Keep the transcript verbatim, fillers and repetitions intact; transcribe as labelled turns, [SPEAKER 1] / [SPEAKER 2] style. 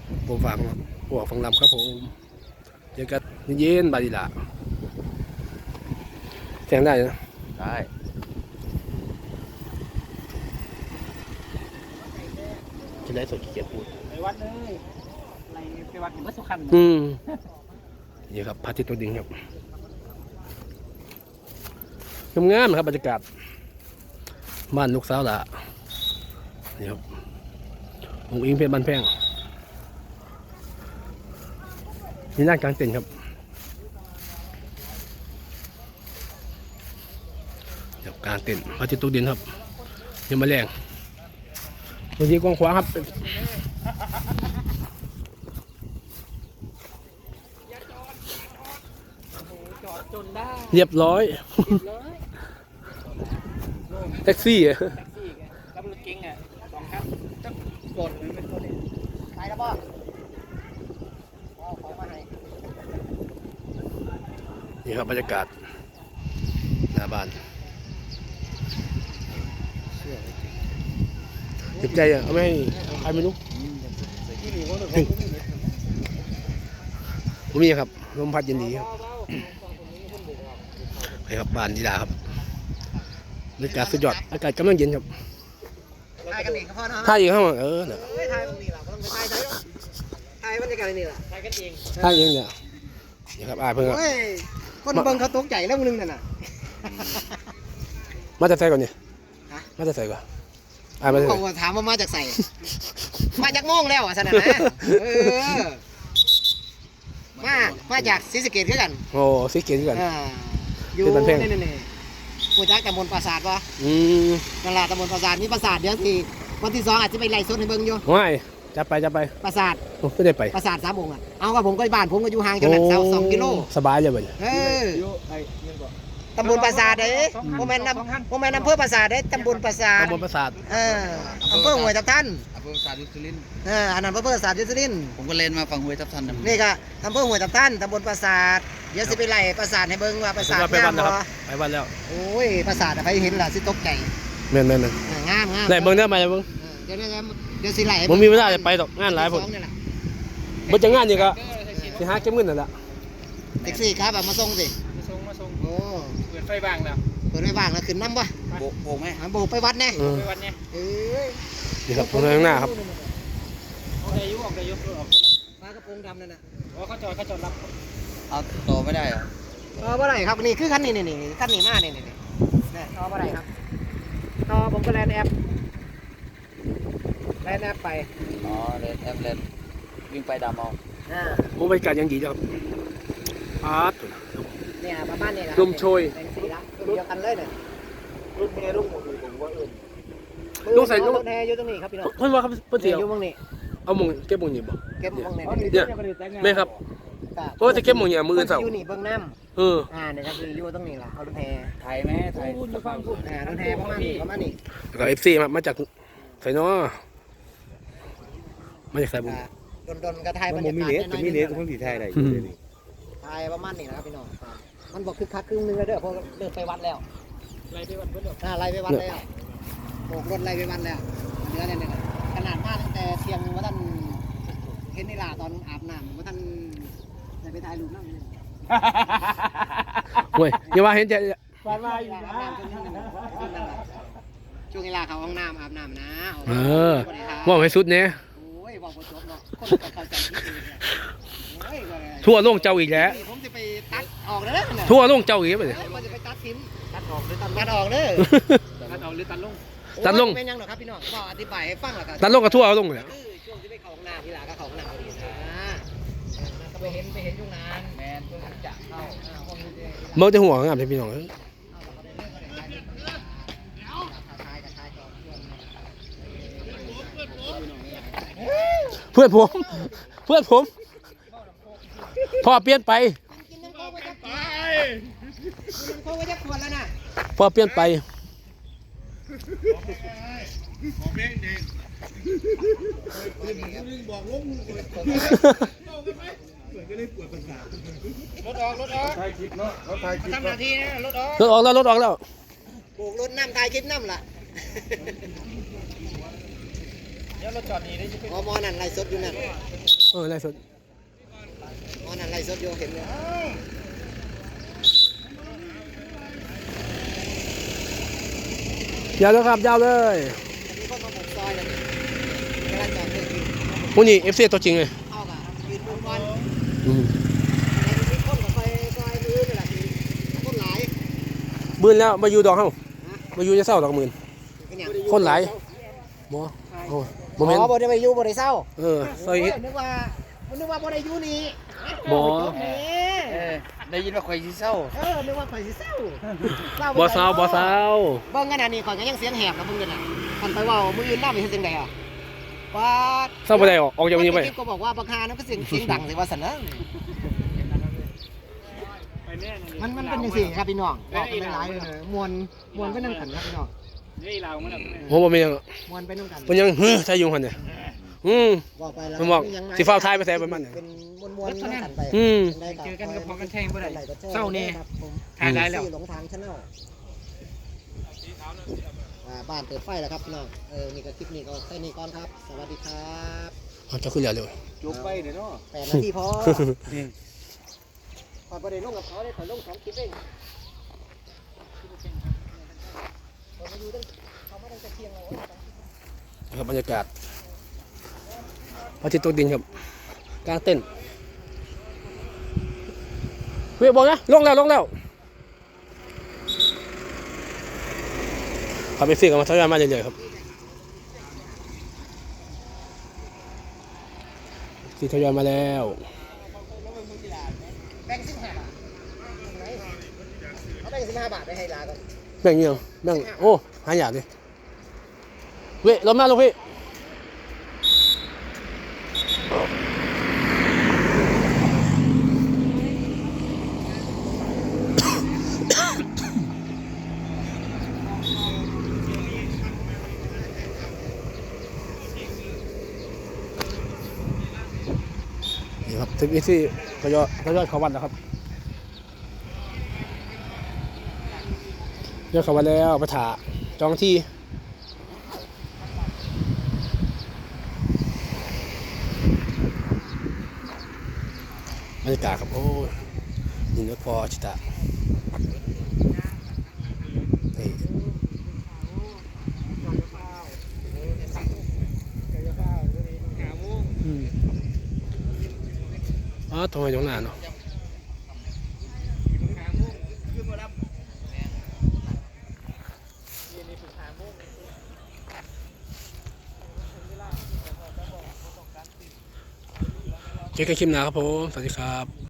[SPEAKER 1] ผมฟังหัวฟังลำครับผมเจอกันเย็นๆบาดีละแข่งได้นะ
[SPEAKER 2] ได้จะได้สดขี้เกียจพูด
[SPEAKER 3] ไปวัดเลยอะไรไปวัดเห็นว่าสุขัน
[SPEAKER 1] อืมนี่ครับพระอาทิตย์ตัวดิ่งครับงามๆครับบรรยากาศบ้านลูกสาวละนี่ครับองค์อิงเพชรบ้านแพงนี่นั่งกลางเต็นท์ครับเดี๋ยวกลางเต็นท์พระอาทิตย์ตกดินครับยังมาแรงบางทีกว้างขวางครับ
[SPEAKER 3] จอดจนได้
[SPEAKER 1] เรียบร้อยแท็กซี่อะ
[SPEAKER 3] แท็กซี่กับรถเก๋งอ่ะสองคันจะกดมันเป็นตัวเด็กไปแล้วป่ะเอาของมาให้
[SPEAKER 1] นี่ครับบรรยากาศหน้าบ้านเจ็บใจอ่ะเอาไม่ให้ใครไม่รู้ผมมีครับลมพัดเย็นดีครับไปครับบ้านดีดาครับบรรยากาศสุดยอดอากาศกำลังเย็นครับ
[SPEAKER 3] ถ่ายกันเองก็พอนะ
[SPEAKER 1] ถ่ายอีกครับเออเนี่ย
[SPEAKER 3] ถ่ายตรงนี้แหละต้องไปถ่ายถ่ายถ่ายบรรยากาศนี่แหละถ่ายกันเอง
[SPEAKER 1] ถ่ายเองเนี่ยนี่ครับอาเพิ่งครับ
[SPEAKER 3] คนเบิ่งเขาตกใจแล้วมึงนึงน่ะนะ
[SPEAKER 1] มาจากใส่ก่อนเนี่ยมาจากใส่ก่อนอ่ามาจาก
[SPEAKER 3] เขาถามว่ามาจากใส่มาจากโม่งแล้วอ่ะสนะนะเออมามาจากศรีสะเกษคือกัน
[SPEAKER 1] โอ้ศรีสะเกษคือกัน
[SPEAKER 3] อยู่นี่นี่นี่กูจักตำบลปราสาทปะ
[SPEAKER 1] อืม
[SPEAKER 3] ตลาดตำบลปราสาทนี่ปราสาทเดี๋ยวสิวันที่สองอาจจะไปไล่สดให้เบิ่งอยู่
[SPEAKER 1] ไม่จะไปจะไป
[SPEAKER 3] ปราสาท
[SPEAKER 1] ไม่ได้ไป
[SPEAKER 3] ปราสาทสามองค์อ่ะเอากับผมก็บ้านผมก็อยู่ห่างจากนั้นสองกิโล
[SPEAKER 1] สบายเลยบ่
[SPEAKER 3] เออตำบลปราสาทเด้โมเมนต์นำโมเมนต์อำเภอปราสาทเด้ตำบลปราสาท
[SPEAKER 1] ตำบลปราสาท
[SPEAKER 3] เอออำเภอห้วยทับทัน
[SPEAKER 2] อำเภอปราสาทยุทธลิน
[SPEAKER 3] เอออันนั้นอำเภอปราสาทยุทธลิน
[SPEAKER 2] ผมก็เล่นมาฝั่งห้วยทับทัน
[SPEAKER 3] นี่ก็อำเภอห้วยทับทันตำบลปราสาทเดี๋ยวสิไปไล่ปราสาทให้เบิ่งว่าปราสาท
[SPEAKER 1] ไปวันแล้วครับไปวันแล้ว
[SPEAKER 3] โอ้ยปราสาทใครเห็นล่ะสิตกใจ
[SPEAKER 1] แม่นแม่น
[SPEAKER 3] งามงาม
[SPEAKER 1] ไล่เบิ่งได้ไหมเบิ่ง
[SPEAKER 3] เดี๋ยวเดี๋ยวเดี๋ยวสิไล่
[SPEAKER 1] ผมมีเวลาจะไปดอกงานหลายผมมันจะงานนี่ก็สิหาเก็บเงินนั่นแหละ
[SPEAKER 3] แท็กซี่ครับมาส่งสิ
[SPEAKER 2] มาส่งมาส่ง
[SPEAKER 3] โอ้
[SPEAKER 2] เปิดไฟบ้างแล้ว
[SPEAKER 3] เปิดไฟบ้างแล้วขึ้นน้ำป่ะ
[SPEAKER 2] โบกโบกไหม
[SPEAKER 3] โบกไปวัดแน่
[SPEAKER 2] ไปวัดเนี่ย
[SPEAKER 3] เอ้ย
[SPEAKER 1] นี่ครับตรงข้างหน้าครับ
[SPEAKER 2] ออกได้ยุออกได้ยุออก
[SPEAKER 3] มากระโปรงดำนั่นน่ะ
[SPEAKER 2] อ๋อเขาจอดเขาจอดรับเอาต่อไม่ได้เหรอ
[SPEAKER 3] ต่อเมื่อไหร่ครับนี่คือคันนี้นี่นี่คันนี้มาเนี่ยนี่นี่ต่อเมื่อไหร่ครับต่อผมก็แลนแอปแลนแอปไป
[SPEAKER 2] อ๋อแลนแอปแลนวิ่งไปดามเอา
[SPEAKER 1] ผมบรรยากาศยังดีครับอาร์ต
[SPEAKER 3] เนี่ยประมาณนี้แหละ
[SPEAKER 1] ลมโชย
[SPEAKER 3] เป็นสีละเดียวกันเลยเนี่ย
[SPEAKER 2] รุ่นเมย์รุ่นหมดเลยผมว่าเออ
[SPEAKER 1] ลูกใส่ลูก
[SPEAKER 3] แทอยู่ตรงนี้ครับพี่น้อง
[SPEAKER 1] เพิ่นว่าครับเพิ่นเสียว
[SPEAKER 3] อยู่ตรงนี้
[SPEAKER 1] เอามงเก็บมงนี่บ่
[SPEAKER 3] เก็บมงนี่
[SPEAKER 1] เนี่ยไม่ครับเพราะจะเก็บมงเนี่ยมือเสา
[SPEAKER 3] อยู่นี่เบื้องน้
[SPEAKER 1] ำเออ
[SPEAKER 3] อ่าเนี่ยครับอยู่ตรงนี้ล่ะเอารถแท
[SPEAKER 2] ไทยไหมไทย
[SPEAKER 3] อ่ารถแทประมาณนี้ประมาณนี้
[SPEAKER 1] แล้วก็เอฟซีมามาจากไสน้อมาจากไสบุญ
[SPEAKER 3] ดนดนกระไทยบรรยากาศจะมีเนสคนผีไทยอะไรไทยประมาณนี้นะครับพี่น้องมันบอกคือคักครึ่งนึงแล้วเด้อเพราะเดินไปวัดแล้ว
[SPEAKER 2] ไล่ไปวัดเพิ่น
[SPEAKER 3] อ่าไล่ไปวัดแล้วโบกรถไล่ไปวัดแล้วเนื้อเนี่ยขนาดมาตั้งแต่เที่ยงว่าท่านเห็นนี่ล่ะตอนอาบน้ำว่าท่านจะไปถ่ายรูปนั่งเลย
[SPEAKER 1] เว้ยอย่าว่าเห็นใจ
[SPEAKER 3] ฟันมาอยู่นะช่วงเวลาเขาห้องน้ำอาบน้ำนะ
[SPEAKER 1] เออว่าให้สุดเนี่ยทั่วโลกเจ้าอีกแล้ว
[SPEAKER 3] ผมจะไปตัดออกแล้ว
[SPEAKER 1] ทั่วโลกเจ้าอีกเลย
[SPEAKER 3] มันจะไปตัดทิ้งตัดออกหรือตัดตัดออกเลย
[SPEAKER 2] ตัดออกหรือตัดลง
[SPEAKER 1] ตัดลง
[SPEAKER 3] เป็นยังหรอครับพี่น้องก็อธิบายให้ฟังหรอครับ
[SPEAKER 1] ตัดลงกับทั่วเอาลงเลย
[SPEAKER 3] ช่วงที่ไปเขาห้องน้ำที่หลังก็เขาห้องน้ำดีนะก็ไปเห็นไปเห็นยุ่งนานแมนเพิ่งจะเข้า
[SPEAKER 1] เมื่อจะหัวงามเลยพี่น้องเพื่อนผมเพื่อนผมพ่อเปลี่ยนไปพ่อเปลี่ยนไป
[SPEAKER 3] รถออกรถออกถ่ายคลิปเนาะรถถ่ายคลิปทำหน้าที่นะรถออก
[SPEAKER 1] รถออกแล้วรถออกแล้ว
[SPEAKER 3] โบกรถน้ำถ่ายคลิปน้ำล่ะ
[SPEAKER 2] เดี๋ยวรถจอดนี่ได้ใช่ไหม
[SPEAKER 3] มอนั่นไล่สดอยู่นั่น
[SPEAKER 1] เออไล่สด
[SPEAKER 3] อ๋อนั่นไล่สดอยู่เห็นเลย
[SPEAKER 1] ยาวเลยครับยาวเลย
[SPEAKER 3] มีคนมาบุกซอยเลยกำลังจอดเดินกิน
[SPEAKER 1] วันนี้เอฟซีตัวจริงเลย
[SPEAKER 3] เข้ากับยืนบนวัน
[SPEAKER 1] อืม
[SPEAKER 3] มีคนกับไฟซอยมือนี่แหละคือคนหลาย
[SPEAKER 1] บืนแล้วมาอยู่ดอกเฮามาอยู่จะเศร้าดอกหมื่น
[SPEAKER 3] เป็นอย่าง
[SPEAKER 1] คนหลายบ่โอ้บ่แม่น
[SPEAKER 3] อ๋อบ่ได้ไปอยู่บ่ได้เศร้า
[SPEAKER 1] เออซอย
[SPEAKER 3] โอ้ยนึกว่านึกว่าบ่ได้อยู่นี่
[SPEAKER 1] บ่
[SPEAKER 3] นี่
[SPEAKER 2] เออได้ยินว่าข่อยสิเศร้า
[SPEAKER 3] เออนึกว่าข่อยสิเศร้า
[SPEAKER 1] บ่เศร้าบ่เศร้า
[SPEAKER 3] เบิ่งกันอันนี้ข่อยก็ยังเสียงแหบนะเบิ่งกันน่ะคันไปเว้ามื้ออื่นนำนี่เฮ็ดจังได๋อ่ะปาด
[SPEAKER 1] เศร้าบ่ได้ออกออกจากวันนี้ไป
[SPEAKER 3] คลิปก็บอกว่าบักฮานั้นก็เสียงเสียงดังสิว่าซั่นนะ
[SPEAKER 2] ไปแน่
[SPEAKER 3] มันมันเป็นจังซี่ครับพี่น้องบอกกันหลายๆเลยมวนมวนไปนำกันครับพี่น้อง
[SPEAKER 2] นี่เรามัน
[SPEAKER 1] โหบ่แม่นหยัง
[SPEAKER 3] มวนไปนำกัน
[SPEAKER 1] เพิ่นยังเฮ้อใส่อยู่หั่นเนี่ยอืม
[SPEAKER 3] บอกไปแล้ว
[SPEAKER 1] มันบอกสิฟ้าวท้ายไปใส่ประมาณนั้น
[SPEAKER 3] เป็นมวนๆนำกันไป
[SPEAKER 1] อืม
[SPEAKER 2] เจอกันก็พอกันแทงบ่ได้
[SPEAKER 3] เศ
[SPEAKER 2] เศร้า
[SPEAKER 3] ร้า
[SPEAKER 2] แน่
[SPEAKER 3] ครับผม
[SPEAKER 2] ถ่ายได้แล้ว
[SPEAKER 3] หลงทางชาแนลอ่าบ้านเปิดไฟแล้วครับพี่น้องเออนี่ก็คลิปนี้ก็แค่นี้ก่อนครับ สวัสดีครับ
[SPEAKER 1] เอาจะขึ้นแล้วเร็ว
[SPEAKER 2] จุกไปเด้อเนาะ
[SPEAKER 3] แปดนาทีพอขอประเด็นลงกับเขาได้ขอลงสองคลิปเองเรามาอยู่ตั้งเขามาตั้งแต่เที่ยงแล้ว
[SPEAKER 1] ครับบรรยากาศพระอาทิตย์ตกดินครับกลางเต้นเวียบอกนะลงแล้วลงแล้วขับไปฟี่กันมาทยอยมาเรื่อยๆครับที่ทยอยมาแล้ว
[SPEAKER 3] แบ่งสิบห้าบาทเขาแบ่งสิบห้าบาทไปให้ลาก่อน
[SPEAKER 1] แบ่งเงี้ยงแบ่งโอ้หายากดิเว้ยลงมาลงพี่นี่ครับทริปนี้ที่ทยอยทยอยเข้าวัดแล้วครับทยอยเข้าวัดแล้วไปถ่าจองที่บรรยากาศครับโอ้ยยินดีพอชิตะนี่อืมอ๋อทำไมตรงหน้าเนาะเจอกันคลิปหน้าครับผม สวัสดีครับ